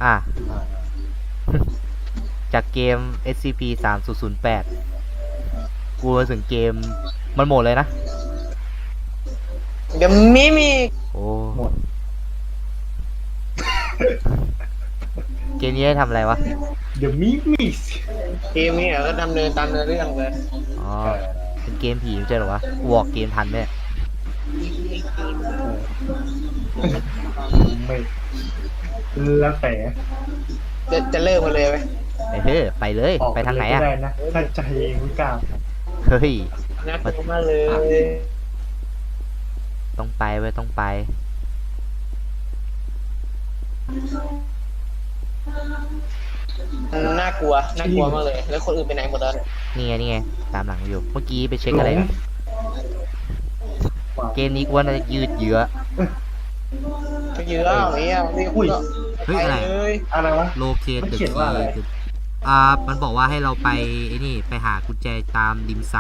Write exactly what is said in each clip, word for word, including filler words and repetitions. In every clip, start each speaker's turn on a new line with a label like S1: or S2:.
S1: อ่ะ จากเกม เอส ซี พี สาม ศูนย์ ศูนย์ แปด กูมาถึงเกมมันหมดเลยนะ
S2: เดี๋ยวมิมิ
S1: โอ้
S3: หมด
S1: เกมนี้ได้ทำอะไรวะ
S3: เดี๋ยวมิมิส
S2: เกมนี้ก็ดำเนินตามเนื้อเรื่องเลย
S1: อ๋อ เป็นเกมผีไม่ใช่เหรอวะกูบอกเกมทันไหม
S3: ไม่แล้วแต่
S2: จะจะเลิกมาเลยไหม
S1: ไปเถอะไปเลย
S3: ออก
S1: ไปทางไหนอ่ะ
S3: ก็ด้นะถ้าใจเองไม่กล้า
S1: เฮ้ย
S2: น่ากลัวมากเลย
S1: ต้องไปเว้ยต้องไป
S2: น่ากลัวน่ากลัวมากเลยแล้วคนอื่นไปไหนหมดแล้วเนี่ย
S1: นี่ไงนี่ไงตามหลังอยู่ เมื่อกี้ไปเช็คอะไรอะเกมนี้กูว่าน่าจะยืดเยื้อ
S2: ไปเยอะอย่างเงี้ยนี่คุณก็
S1: เฮ้ย
S2: ไป
S1: อะไร
S2: เลย
S3: อะไรวะ
S1: โลเคท
S3: มัน
S1: เดอะ
S3: เขียนว่าอะไร
S1: คีอ่า มันบอกว่าให้เราไปไอ้นี่ไปหากุญแจตามริมสระ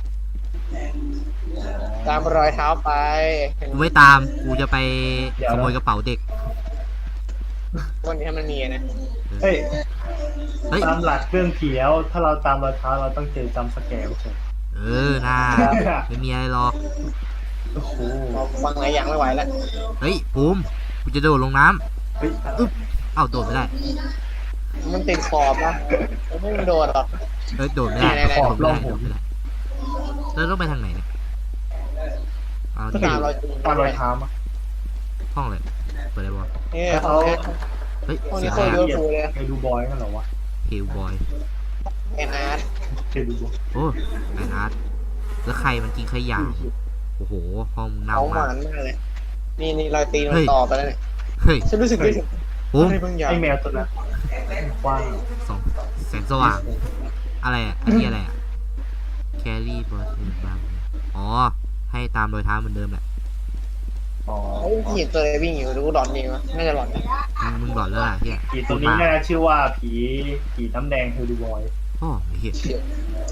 S2: ตามรอยเท้าไป
S1: กูไม่ตาม กูจะไปขโมยกระเป๋าเด็ก
S2: วันนี้มันมีนะ
S3: เฮ้ย
S1: เฮ้ย
S3: ตามหลักเรื่องผีแล้วถ้าเราตามรอยเท้าเราต้องเจอจำสแกร์ใช่ไหม
S1: เออน่าไม่มีอะไรหรอก
S3: โอ้โห
S2: ฟังหลายอย่างไม่ไหวแล้ว
S1: เฮ้ยภูมิกูจะโดดลงน้
S3: เฮ้ย
S1: ำอึ๊บเอ้าโดดไม่ได้
S2: มันติดขอบนะไม่โดนหรอก
S1: เอ้ยโดดไม่ได้
S2: ไหนๆๆ
S1: โดดไม่ได้โดดไม่ได้แล้วต้องไปทางไหนเนี่ยเอา
S3: ก็
S1: ที่
S2: ตามรอย
S3: ตามรอยเท้ามา
S1: ห้องเลยเปิดได้ปะ
S2: เนี่ย
S3: แล้ว
S2: เขา
S3: เขา
S1: เฮ้ย
S2: ห้อง
S1: เสี
S2: นี้
S1: ยง
S2: โค
S1: อะไร
S2: ตร
S1: อะ
S2: เยอะฟูเลย
S3: เคยดูบอยกันเหรอวะ
S1: เฮลบอย
S2: แอนอาร์ต
S3: เคยดูบอย
S1: โอ้ไออาร์ตแล้วใครมันกินขยะโอ้โหห้องมึงเน่า
S2: เขาห
S1: มาก
S2: วานมากเลยนี่นี่รอยตีน
S1: เฮ้
S2: มัน
S1: ย
S2: ต่อไปแล้วเนี่ย
S1: เฮ้ย
S2: ฉันรู้สึกได้ถึง
S1: ภูมิ
S2: อะไรบางอย่าง
S3: ไอแมวตัวนั้นกว้าง
S1: สองแสงสว่าง อะไรอ่ะ อันนี้อะไรอ่ะ แครี่บอสบางอ๋อ ให้ตามรอยเท้าเหมือนเดิมแหละ
S3: อ๋อ
S2: เฮ้ยเห็นตัวอะไรวิ่งอยู่รู้หลอนดีมั้ยน่าจะหลอนนะ
S1: มึงมึงหลอนแล้วล่ะเฮีย
S3: ผีตัวนี้น่าจะชื่อว่าผีผีน้ำแดงเฮลดูบอย
S1: โอ้เฮีย
S2: เชี่ย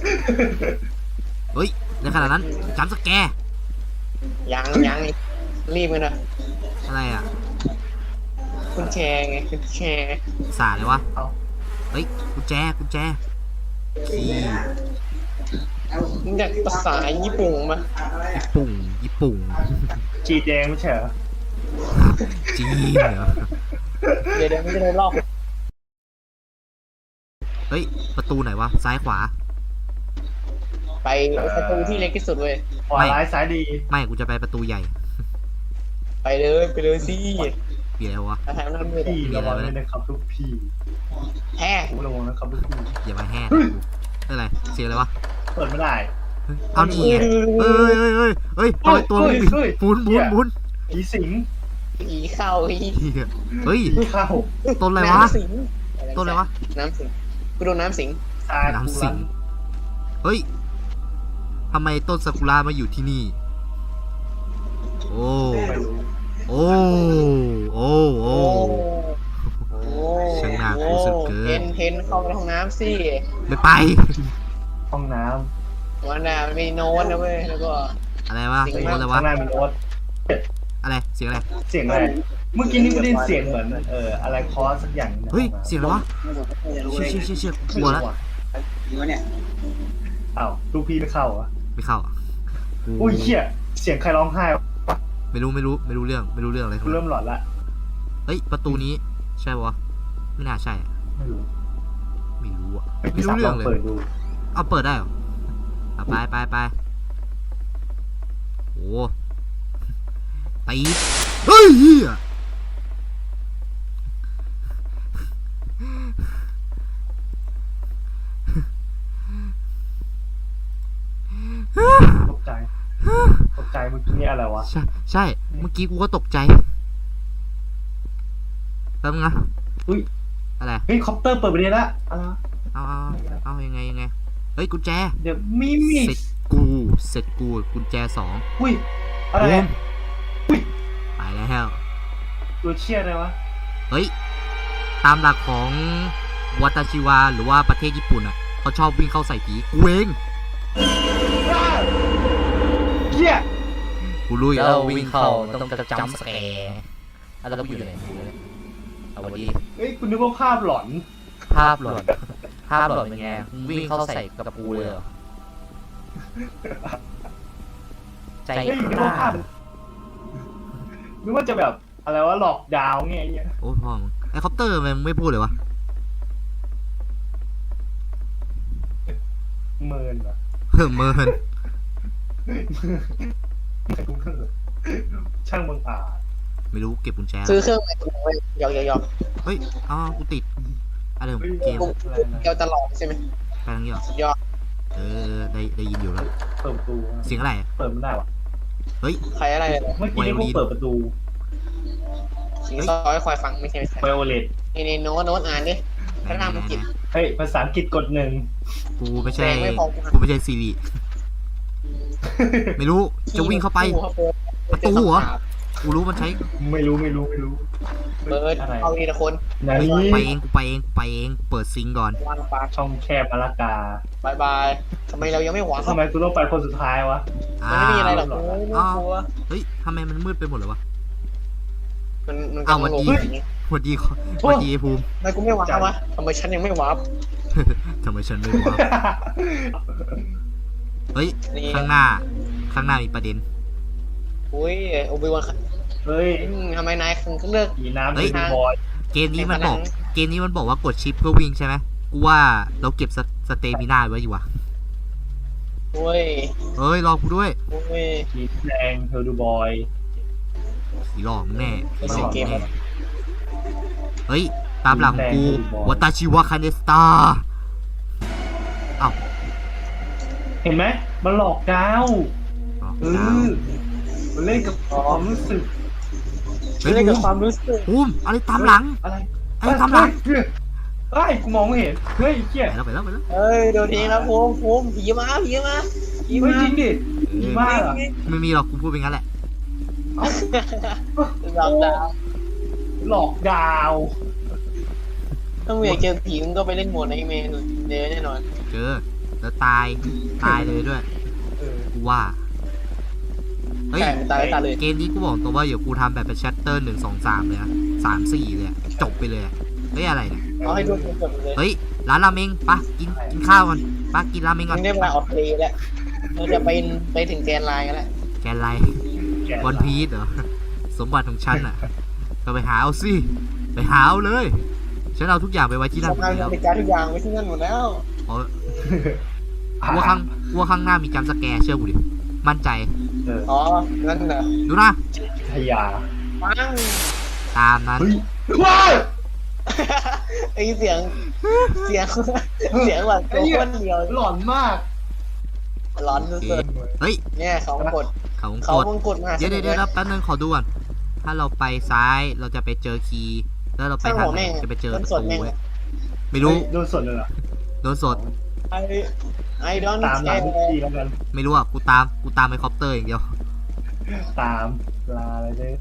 S1: เฮ้ย ในขณะนั้นจำสแกร์
S2: ยังยังนี่รีบกันนะ
S1: อะไรอ่ะ
S2: คุณแชร์ไงคุณแชร์
S1: สาเลยวะ
S3: เอ้า
S1: เฮ้ย กุญแจ กุญแจคีย์
S2: มึงจากภาษาญี่ปุ่นมา
S1: ญี่ปุ่งญี่ปุ่ง
S3: จีแดงไม่ใช่เหรอ
S1: จีนเหรอ
S2: เดี๋ยวเดี๋ยวไม่จะได้ลอก
S1: เฮ้ย ประตูไหนวะ ซ้ายขวา
S2: ไปประตูที่เล็กที่สุดเว้ย
S3: ขวาร้ายซ้ายดี
S1: ไม่ กูจะไปประตูใหญ่
S2: ไปเลยไปเลยสิ
S1: เบียร์วะ
S2: อาหารน้ำมือ
S3: พี่ระวังด้วยนะครับลูกพี่
S2: แฮ่
S3: ผมระวังนะครับลูกพี่
S1: อย่ามาแห่นะกูเฮ้ยอะไร เสียงอะไรวะ
S3: เปิดไม่ได้
S1: เฮ้ยเอานี่ไงเฮ้ยเฮ้ยเฮ้ยเฮ้ยทำไมตัวมันบิน
S3: เฮ้ย
S1: หมุนหมุนหมุน
S3: ผีสิง
S2: ผีเข้าอี
S1: เหี้ยเฮ้ย
S3: ผีเข้า
S1: ต้นอะไรวะ
S2: น้ำสิง
S1: ต้นอะไรวะ
S2: น้ำสิงกูโดนน้ำสิง
S3: ซา
S1: น้ำ
S3: กุ
S1: สิ
S3: ระ
S1: ง เฮ้ย ทำไมต้นซากุระมาอยู่ที่นี่ โอ้
S3: ไม่รู้
S1: โอ้ โอ้ โอ้
S2: โอ้
S1: ช่างน่ากลัวสุดเกิน
S2: เทนเทนเข้าไปห้องน้ำสิ
S1: ไม่ไป
S3: ห้องน้
S2: วันน่ะมันมีโน้ตนะเว้ยแล้วก็
S1: อะไรวะ
S3: ำ
S1: โอ้
S2: จริง
S1: อะไร
S3: ข้าง
S1: วะ
S3: หน้ามีรถ
S1: อะไร เสียงอะไร
S3: เสียงอะไรเมื่อกี้นี่ไม่ได้ยินเสียงเหมือนเอออะไรคอร์สสักอย่างนะ
S1: เฮ้ย เสียงอะไรวะ เชี่ยเชี่ยเชี่ยเชี่ยกลัวแล้ว
S3: อ้าวลูกพี่ไม่เข้าเหรอ่ะ
S1: ไม่เข้าอ่ะกู
S3: อุ้ยเหี้ยเสียงใครร้องไห้วะ
S1: ไม่รู้ไม่รู้ไม่รู้เรื่องไม่รู้เรื่องอะไรทั้
S3: กู
S1: ง
S3: เริ่
S1: นั้น
S3: มหลอนละ
S1: เฮ้ย ประตูนี้ใช่ปะวะไม่น่าใช่อะ
S3: ไม่รู้
S1: ไม่รู้อ่ะ
S3: ไม่
S1: ไม่รู้เรื่องเลย
S3: เปิดดู
S1: เอาเปิดได้เหรอเอาไปไปไปโอ้ตีดเฮ้ยเหี้ย
S3: ตกใจตกใจเมื่อกี้นี่อะไรวะ
S1: ใช่ใช่เมื่อกี้กูก็ตกใจแป๊บนึงนะ
S3: อุ้ย
S1: อะไร
S3: เฮ้ยคอปเตอร์เปิดไปได้ละอะไรวะ
S1: เอาเอาเอายังไงยังไงเฮ้ยกุญแจ
S3: เดี๋ยวมิมิ
S1: เสร็จกูเสร็จกูกุญแจสอง
S3: อุ้ยอะไร
S1: บู
S3: เนี่ย
S1: ม
S3: อุ้ย
S1: ไปแล้ว
S3: ตัวเชี่ยอะไรวะ
S1: เฮ้ยตามหลักของวัตาชิวาหรือว่าประเทศญี่ปุ่นอ่ะเขาชอบวิ่งเข้าใส่ผีกูเอง
S3: เหี้ย
S1: กูรู้อยู่
S4: แล้
S1: แล้ว
S4: ว
S1: วิ่
S4: วิ่
S1: ง
S4: ง
S1: เข้า
S4: เข้า
S1: ต้
S4: ต้
S1: อ
S4: อง ง
S1: จะ
S4: จะ
S1: จั
S4: จั
S1: ม
S4: ม
S1: ป์
S4: ป์
S1: ส
S4: ส
S1: แก
S4: แก
S1: ร์
S4: ร์แล้วก็อยู่ไหน
S1: เอาวันดี
S3: เฮ้ยคุณนึกว่าภาพหลอน
S1: ภาพหลอนภาพหลอนเป็นไงมึงวิ่งเข้าใส่กับกูเลยเหรอใจ
S3: เฮ้ยนึก
S1: กล้า
S3: ว่าภาพนึกว่าจะแบบอะไรวะหลอกดาวน์ไงไอ้เงี้ย
S1: โอ้ยพ่อมึงไอ้คอปเตอร์มันไม่พูดเลยวะ
S3: เมินเหรอ
S1: เพิ่มเมิน
S3: ช่างบังอาจ
S1: ไม่รู้เก็บกุญแจ
S2: ซื้อเครื่องใหม่กูไปหยอกหยอกหยอก
S1: เฮ้ยอ้าวกูติดอะไรของเกม
S2: กูเกี่ยวตลอดใช่ไหม
S1: ไปทางนี้เหรอ
S2: สุดยอด
S1: เออได้ได้ยินอยู่แล้ว
S3: เปิดประตู
S1: เสียงอะไร
S3: เปิดไม่ได้วะ
S1: เฮ้ย
S2: ใครอะไรเนี่ย
S3: เมื่อกี้นี่กูเปิดประตู
S2: สิงซอยคอยฟังไม่ใช่ไม่ใช่
S3: ไวโอเลต
S2: นี่นี่โน้ตโน้ตอ่านดิพระนามอังกฤษ
S3: เฮ้ยภาษาอังกฤษกดหนึ่ง
S1: กูไม่ใช่
S2: แรงไม่พอ
S1: กูไม่ใช่ซีรีไม่รู้จะวิ่งเข้าไป ประตูเหรอ กูรู้มันใช้
S3: ไม่รู้ไม่รู้ไม่รู้
S2: เบิร์ด
S3: อะไร
S2: เอาดีละคน
S3: นา
S1: เฮ้ย
S3: นี้
S1: กูไปเองกูไปเองกูไปเองเปิดซิงค์ก่อน
S2: วางปลา
S3: ช่องแคบอลากา
S2: บายบายทำไมเรายังไม่หวัง
S3: ทำไมกูต้องไปคนสุดท้ายวะ
S2: มันไม่มีอะไรหรอก
S3: อ้าว
S2: โอ้ยไม่กลัว
S1: เฮ้ยทำไมมันมืดไปหมดเลยวะ
S2: มันมัน
S1: อ้าว
S2: กำลังลง
S1: วันดี
S2: อย่างงี้
S1: สวัสดีขอสวัสดีไอ้ภูมิ
S2: ทำไมกูไม่หวังวะทำไมฉันยังไม่หวัง
S1: ทำไมฉันไม่รู้วะเฮ้ย
S2: นี่
S1: ข้างหน้า ข้างหน้ามีประเด็น
S2: อุ้ยโอบิวัน
S3: เฮ้ย
S2: ทำไมนายถึงเลือก
S3: ผีน้ำ
S1: เฮ้ย
S3: เป็นบอย
S1: เกมนี้มันบอก เกมนี้มันบอกว่ากดชิปเพื่อวิ่งใช่ไหมกูว่าเราเก็บสสเตมินาไว้อยู่วะ
S2: โอ้ย
S1: เฮ้ยรอกูด้วย
S2: โอ้ย
S3: ผีแดงเฮลดูบอย
S1: ผีหลอกมึงแน่ผีหล
S2: เสีย
S1: อง ก
S2: เก
S1: มึ
S2: ม
S1: งแน่เฮ้ย ตามหลังของกูวัตาชิวะคาเนสตาอ้าว
S3: เห็นไหมมันหลอกดาว
S1: อ๋อ
S3: เอ
S1: ดาว
S3: อมันเล่นกับความรู้สึก
S1: เฮ้ย
S2: เล่น
S1: ภู
S2: กับ
S1: มิ
S2: ความรู้สึก
S1: ภูมิอะไรตามหลัง
S3: อะไร
S1: ไอ้ตามหลัง
S3: เฮ้ยเฮ้ยกูมองไม่เห็นเฮ้ยเชี่ย
S1: ไปแล้วไปแล้วไปแล้ว
S2: เฮ้ยโดนทีแล้วภูมิภูมิผีมาผีมาผี
S3: เฮ้
S2: มาย
S3: จริงดิผีบ้าเหรอ
S1: ไม่มีหรอกกูพูดเป็นงั้นแหละ
S2: หลอกดาว
S3: หลอกดาว
S2: ถ้ามึงอยากเจอผีมึงก็ไปเล่นโหมดในเมนเดย์แน่นอน
S1: เจอแล้วตายตายเลยด้วย
S3: เออ
S1: กูว่าเฮ้ย
S2: ใช่มันตายไม่ตายเลย
S1: เกมนี้กูบอกตรงว่าเดี๋ยวกูทำแบบเป็นชัตเตอร์หนึ่งสองสามเลยนะสามสี่เลยอะจบไปเลยอะเฮ้ยอะไรเนี่ย
S2: เอาให้ดูจบเลย
S1: เฮ้ยร้านราเมงปะกินกินข้าวกันปะกินราเมงก่
S2: มึ
S1: อน
S2: งได้เวลาออกทะเลแล้วเราจะไปไปถึงแกนไลน์กันแล้ว
S1: แกนไร
S3: แกะ
S1: วันพีซเหรอสมบัติของฉันอ่ะก็ไปหาเอาสิไปหาเอาเลยฉันเอาทุกอย่างไปไว้ที่นั่นหมด
S2: ทำงาน
S1: แล้ว
S2: บริการทุกอย่างไว้ที่นั่นหมดแล้ว
S1: เพราะกลัวข้างกลัวข้างหน้ามีจำสแกร์เชื่อกูดิมั่นใจ
S3: เออ
S2: อ๋อนั่นเหรอ
S1: ดูนะ
S3: ทยา
S2: ปัง
S1: ตามนั้น
S3: เฮ้ยว้าย
S2: ไอเสียงเสียงเสียงแบบตัวคนเดียว
S3: หลอนมาก
S2: ร้อนสุด
S1: เฮ้ย
S2: ๆเนี่ยเขากด
S1: เขาวง
S2: เขา
S1: กด
S2: มงกดมา
S1: เดี๋ยวเดี๋ยวเดี๋ยวแป๊บนึงขอดูก่อนถ้าเราไปซ้ายเราจะไปเจอคีย์แล้วเราไปทางไหนจะไปเจอประตูเว้ยไม่รู้
S3: โดนสดเลยเหรอ
S1: โดนสด
S2: ไอไอดอน
S3: ตามหลังทุกทีแล้วกัน
S1: ไม่รู้อ่ะกูตามกูตามไปคอปเตอร์อย่างเดียว
S3: ตามลาอะไรเนี่ย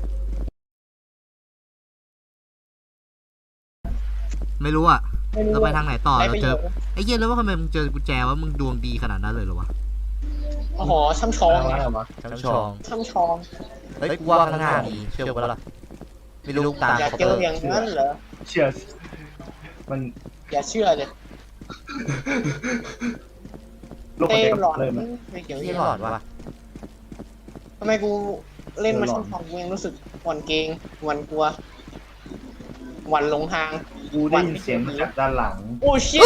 S1: ไม่รู้อ่ะเราไปทางไหนต่อ
S2: ไป
S1: เรา
S2: ไป
S1: เจอ
S2: เยอะ
S1: ไอ้เหี้ยแล้วว่าทำไมมึงเจอกุญแจว่ามึงดวงดีขนาดนั้นเลยเหรอวะ
S2: โอ้โหช่ำชอง
S3: อะไรวะ
S1: ทั้งชอง
S2: ช่ำชอง
S1: เฮ้ยกูว่าข้างหน้ามีเชื่อกูแล้วล่ะไม่รู้ตาม
S2: อยาก
S1: คอป
S2: เจ
S1: เตอ
S2: อ
S1: ร์
S2: อย่างนั้นเหรอ
S3: เชื่อมัน
S2: อย่าเชื่อเลย
S3: โลก
S2: เต้
S3: เด็ก
S2: หลอน
S3: เลยมัน
S2: ไม่เกี่ยว
S1: ที่
S2: ที่
S1: ห
S2: ห
S1: ล
S2: ล
S1: อ
S2: อน
S1: ดวะ
S2: ทำไมกูเล่นมา
S3: หลอน
S2: ช่ำชองกูยังรู้สึกหวั่นเกรงหวั่นกลัวหวั่นหลงทาง
S3: กูได้ยินเสียงมาจากด้านหลัง
S2: โอ้ชิต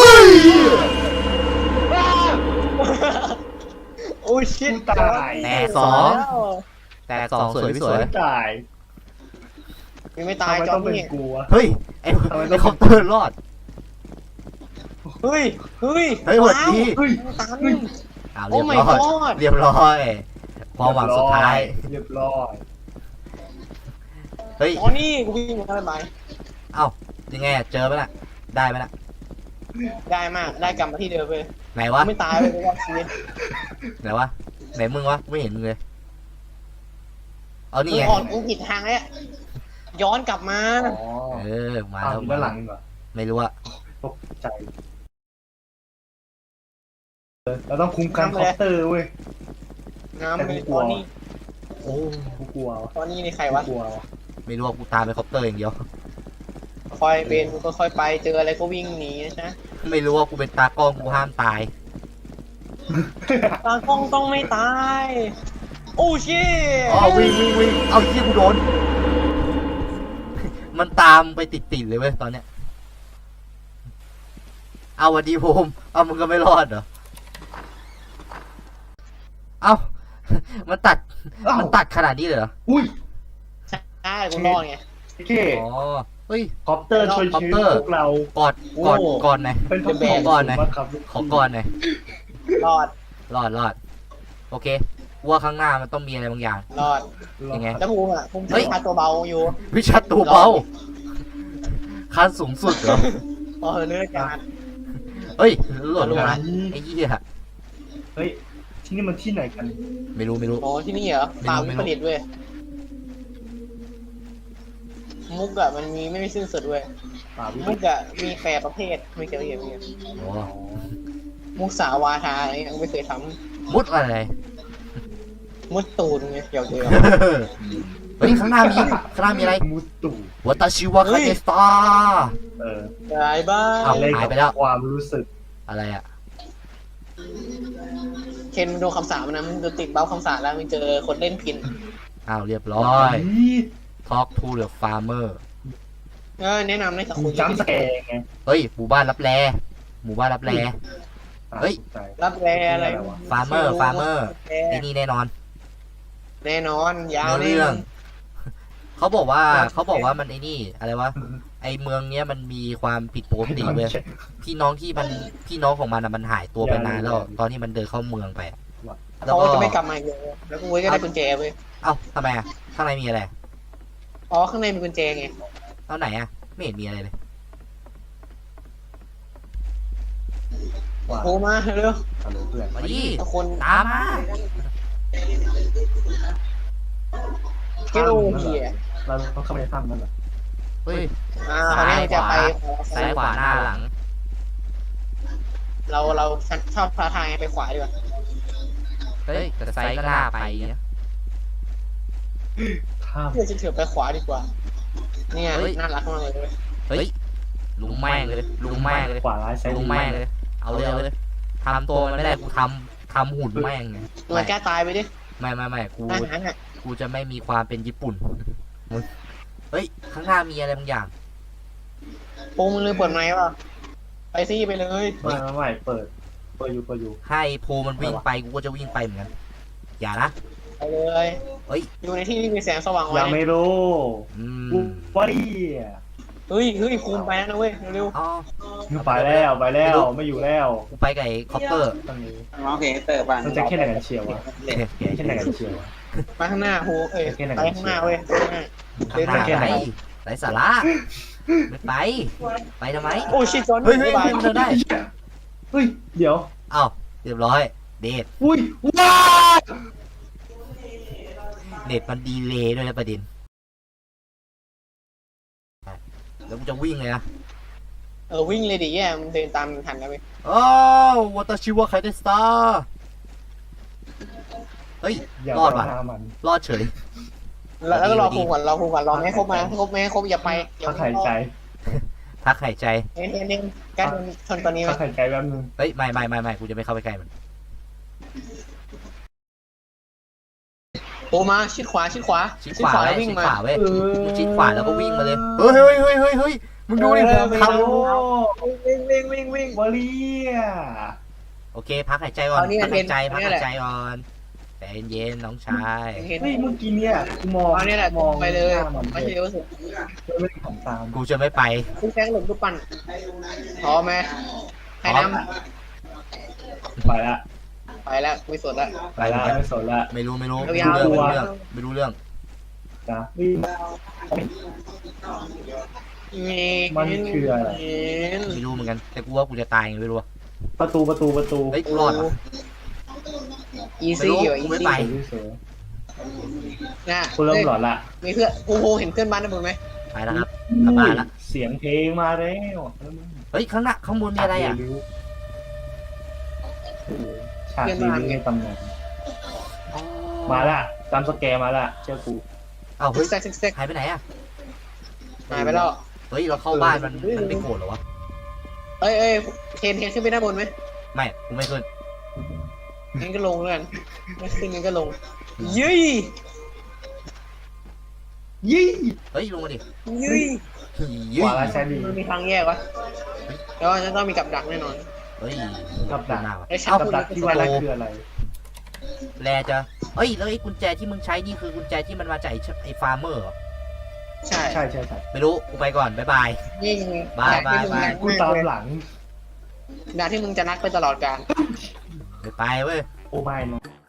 S2: โอ้ชิต
S3: กูตาย
S1: แตกสองแตกสองสวยไม่สวย
S3: ไม่ตาย
S2: ยังไม่
S3: ทำ
S2: ตาย
S3: ไม
S2: จอ
S3: ต้อ
S2: ม
S3: งเป็น
S2: นี่
S3: กูวะ
S1: เฮ้ยไอ้
S3: ทำไมต้อง
S1: ไอ้คอปเตอร์รอด
S2: เฮ้ยเฮ้ย
S1: เฮ้ยหวัดดี
S3: เฮ้ย
S2: ตัน
S1: อ้าว
S2: โอ้
S1: เรียบ
S2: my
S1: ร้อย
S2: god
S1: เรียบร้อยความหวังสุดท้าย
S3: เรียบร้อย
S1: เฮ้ย
S2: อ๋อนี่กูวิ่งมาได้ไหม
S1: เอ้ายังไงอะเจอไหมล่ะได้ไหมล่ะ
S2: ได้มากได้กลับมาที่เดิมเลย
S1: ไหนวะ
S2: ไม่ตายเลยรอดชีวิต
S1: ไหนวะไหนมึงวะไม่เห็นมึงเลยเอานี่
S2: มึง
S1: ไง
S2: ออกมึงผิดทางแล้วย้อนกลับมา
S3: อ๋อ
S1: เออมา
S3: อ้าว
S1: แล้ว
S3: อยู่ด้านหลังดีกว่า
S1: ไม่รู้อะ
S3: ตกใจเออเราต้องคุ้มกันคอปเตอร์เว้ย
S2: น้ำเลยตอนนี้
S1: โอ้
S3: กูกลัววะ
S2: ตอนนี้นี่ใคร
S3: กู
S2: วะ
S3: กลัววะ
S1: ไม่รู้ว่ากูตามไปคอปเตอร์อย่างเดียว
S2: ค่อยๆเป็นค่อยๆไปเจออะไรก็วิ่งหนีนะ
S1: ไม่รู้ว่ากูเป็นตากล้องกูห้ามตาย
S2: ตากล้องต้องไม่ตายโอ้ชิ
S1: อ๋อวิ่งวิ่งวิ่งเอาที่กูโดน มันตามไปติดติดเลยเว้ยตอนเนี้ย เอาวันดีผมเอามึงก็ไม่รอดเหรอ เอา มันตัด
S3: เอ้า
S1: มันตัดขนาดนี้เลยเหรอ
S3: อุ้ย
S2: ใช่กูรอดไง
S3: โอเค
S1: อ๋อ เฮ้ย
S3: คอปเตอร์ช่วย
S1: คอป
S3: ชี
S1: เต
S3: วิ
S1: อ
S3: ต
S1: ร์
S3: พวกเรา
S1: กอดกอด
S3: โอ้
S1: กอดหน่อย
S3: เป็นพระ
S2: เดอะแบ
S3: ขอก
S1: ก่อนหน่อย
S3: มากครับ
S1: ขอกอดหน่อย
S2: รอด
S1: รอดรอด โอเคว่าข้างหน้ามันต้องมีอะไรบางอย่าง
S2: รอด
S1: ยังไง
S2: แล้วภูมิอ่ะภูมิ
S1: เฮ้ย
S2: พาตัวเบาอยู่
S1: วิชาตัวเบาขั้นสูงสุดเหรอ
S2: พอเนื้อการ
S1: เฮ้ยหล่นลงมาไอ้เหี้ย
S3: เฮ้ยที่นี่มันที่ไหนกัน
S1: ไม่รู้ไม่รู้
S2: โอ้ที่นี่เหรอ
S1: ไม่รู้
S2: ป่า
S1: ไม่
S2: วิ
S1: รู้
S2: ปริตเว้ยมุกอะมันมีไม่มีสิ้นสุดเว้ย
S3: ป่าวิ
S2: มุกอะมีแปรประเภทไม่เกี่ยวกับอย่างนี้
S1: โอ้
S2: มุกสาวาทาอะไรยังไม่เคยท
S1: มุดอะไร
S2: ำมุดตูนไงเกี่ยวเดียว
S1: เฮ้ยข้างหน้ามีข้างหน้ามีอะไร
S3: มุตตุ
S1: วัตชิวะคาเนสตา
S3: เออ
S2: ได้บ้าง
S1: เอ้า
S3: เล่น
S1: หาย
S3: กับ
S1: ไปแล้ว
S3: ความรู้สึก
S1: อะไรอ่ะ
S2: เคนโดนคำสาปนะมึงโดนติดเบ้าคำสาปแล้วมึงเจอคนเล่นพิน
S1: อ้าวเรียบร้อย Talk to the farmer
S2: เออแนะนำให้สัก
S3: กู
S2: คน
S3: จำสแกร์ไง
S1: เฮ้ยหมู่บ้านรับแลหมู่บ้านรับแล เฮ้ย
S3: ใช่
S2: รับแรอะไร
S1: farmer farmer ไอ้นี่แน่นอน
S2: แน่นอนยาว
S1: เนื้อ
S2: แน่
S1: เรื่
S2: น
S1: อ
S2: อง น
S1: เขาบอกว่า
S2: ครับ
S1: เขาบอกว่ามันไอ้นี่อะไรวะไอเมืองเนี้ยมันมีความผิดปกติเว้ยพี่น้องที่มันพี่น้องของมันอะมันหายตัวไปนานแล้วตอนที่มันเดินเข้าเมืองไปอะแล้ว
S2: เขา
S1: ก็
S2: จะไม่กลับมาอีกเลยแล้วกูก็ได้กุญแจเว้ย
S1: เอ้าทำไมอะข้างในมีอะไร
S2: อ๋อข้างในมีกุญแจไง
S1: เอาไหนอะไม่เห็นมีอะไรเลย
S3: ว่า
S2: โทรมาเร็ว
S3: ฮัลโหลเพื่อน
S1: มาดิ
S2: ทุกคน
S1: ตามมา
S2: เกลเฮีย
S3: เราต้องเข้าไปในถ้ำนั่นเหรอ
S1: เฮ้ย
S2: อ่าคราวนี้เราจะไป
S1: ซ้ายขวาหน้าหลัง
S2: เราเราชอบท้าทายไปขวาดีกว่า
S1: เฮ้ยแต่ไซส์ก็น่าไปนะ
S3: ถ้ำ
S2: เพื่อจะเถื่อไปขวาดีกว่าเนี่ยน่ารักมากเลยเว้ย
S1: เฮ้ยลุงแม่งเลยลุงแม่งเลย
S3: ขวาร้ายซ้าย
S1: ลุ
S3: ดี
S1: งแม่งเลย เอาเลยเอาเลยทำตัวมันไม่ได้กูทำทำหุ่นแม่งไง
S2: มันกล้าตายไปดิ
S1: ไม่ไม่ไม่กู
S2: อาหารอ่ะ
S1: กูจะไม่มีความเป็นญี่ปุ่นมึงเฮ้ยข้างหน้ามีอะไรบางอย่าง
S2: ปูมึงลืมเปิดไมค์ป่ะไปซี่ไปเลย
S3: ไม่ไม่ไม่เปิดเปิดอยู่เปิดอยู่
S1: ให้โพมันวิ่งไปกูก็จะวิ่งไปเหมือนกันอย่านะ
S2: ไปเลย
S1: เฮ้ย
S2: อยู่ในที่ที่มีแสงสว่าง
S3: ยั
S2: ไว้
S3: งไม่รู้
S1: อื
S3: กู
S1: ม
S3: ว่าดี
S2: เฮ้ยเฮ้ยภูมิไปแล้วนะเว้ยเร็ว
S1: อ๋อ
S3: ไปแล้วไปแล้วไม่อยู่แล้ว
S1: กูไปกับไอ้คอปเปอร์
S3: ตอนนี้
S4: ร้องเพลงเตอร์บ้าง
S3: มันจะแค่ไหนกันเชียววะ
S4: เล่น
S3: แค่ไหนกันเชียววะ
S2: ๆไปข้างหน้าภูเอ้ยไปข้างหน้าเว้ยข้างหน้า
S1: ข้างหน้า
S3: แค่ไหน
S1: ไหนไรสาระไม่ไป ไปทำไม
S2: โอ้ชิจอน
S1: เฮ้ยเฮ้ย
S2: บ๊ายบาย
S1: มันเดินได้
S3: เฮ้ยเดี๋ยว
S1: เอ้าเรียบร้อย เดท
S3: อุ้ยว้า
S1: เน็ตมันดีเลย์ด้วยนะประเด็นแล้วกูจะวิ่งเลยนะ
S2: เออวิ่งเลยดิแย่มันเดินตามทันแล้วเว้ย
S1: โอ้วัตชิวะไคเดสตาเฮ้ย
S3: อย่าร
S1: อดว่ะ
S3: หามัน
S1: รอดเฉย
S2: แล้วแล้วก็รอภูมิก่อนรอภูมิก่อนรอไม่ให้ครบมาให้ครบไม่ให้ครบอย่าไปอย่า
S3: ถ้าหายใจ
S1: พักหายใจ
S2: เน้นเน้นเน้นการโดนชนตอนนี้ไหม
S3: ถ้าหายใจแป๊บนึง
S1: เฮ้ย ไม่ไม่ไม่ไม่กูจะไม่เข้าไปใกล้มัน
S2: โอ้มาชิดขวาชิดขวา
S1: ชิดขวา
S2: แล้ว
S1: เว้ย
S2: วิ่ง
S1: ชิด
S2: มา
S1: ขวาเว้ยมึงชิดขวาแล้วก็วิ่งมาเลย เฮ้ยเฮ้ยเฮ้ยเฮ้ยเฮ้ยมึงดูดิ
S2: เอ
S1: ผ
S2: อ
S1: ม
S2: ไม่
S1: ท
S2: รู้
S3: โอ้
S2: วิ่งวิ่งวิ่งวิ่ง
S3: วอลเลีย
S1: ำโอเค พักหายใจก่อน
S2: เอานี่
S1: พักหายใจ
S2: เอา
S1: พัก
S2: นี่
S1: หา
S2: แห
S1: ย
S2: ละ
S1: ใจก่อนแต่เย็นๆน้องชาย
S2: เห็น
S3: เฮ้ยเมื่อกี้เนี่ยกูมอง
S2: เอาเนี่ยแหละ
S3: มอง
S2: ไปเลย
S3: หน้ามัน
S2: ไม่ใช่เร็วสุด
S3: ไม่ได้ของตาม
S1: กูจะไม่ไป
S2: คุณแซงหลบทุกปั่นพร้อมไหมให้น
S3: ไปละ
S2: ำไปแล้วไม่สนละ
S3: ไปละไม่สนละ
S1: ไม่รู้ไม่รู้
S2: ยาว
S1: ไม่
S2: ๆ
S1: รู้เรื่องไม่รู้เรื่อง
S3: นะวิ่ง มันคืออะไร
S1: ไม่รู้เหมือนกัน แต่กูว่ากูจะตายไงไม่รู้อะ
S3: ประตูประตูประตู
S1: เฮ้ยกูรอดเหรอ
S2: อีซี่อยู่
S1: กู
S2: อี
S1: ไม่
S2: ซี่
S1: ไป
S3: สวย
S2: นะ
S3: กูเริ่มหลอนละ
S2: มีเพื่อนกูโหเห็นเพื่อนบ้านนะมึงไหม
S1: ไปแล้วครับกลับบ้านละ
S3: เสียงเพลงมาแล้ว
S1: เฮ้ยข้างหน้าข้างบนมีอะไรอ่ะ
S3: ฉากรีวิวในตำนานมาละตามสแกร์มาละเชื่อกู
S1: เอ้าเฮ้ย
S2: แซกแซกแซก
S1: หายไปไหนอ่ะ
S2: หายไปแล้ว
S1: เฮ้ยเราเข้าบ้านมันมันไม่โกรธเหรอวะ
S2: เอ้ยเอ้ยเทนเทนขึ้นไปด้านบนไหม
S1: ไม่กูไม่ขึ้น
S2: งั้นก็ลงแล้วกันไม่ขึ้นงั้นก็ลงยี่
S3: ยี่
S1: เฮ้ยลงมาดิ
S2: ยี่
S3: ขวาและซ้ายดี
S2: มันมีทางแยกวะแล้วจะต้องมีกับดักแน่นอน
S1: เฮ้ย
S3: กับดัก
S1: หน้าวะ
S2: ไอ้
S1: เอ้า
S3: กับดักที่ว่านั่นคืออะไร
S1: แลจะเอ้ยแล้วไอ้กุญแจที่มึงใช้นี่คือกุญแจที่มันมาจากไอ้เชไอ้ฟาร์มเมอร์เหรอ
S2: ใช่
S3: ใช่ใช่ใช่
S1: ไม่รู้กูไปก่อนบ๊ายบาย
S2: ยิ่ง
S1: บายบายบาย
S3: กูตามหลัง
S2: ดาที่มึงจะนัดไปตลอดกาล
S1: ไม่ไปเว้ย
S3: โอ้ไม่นะ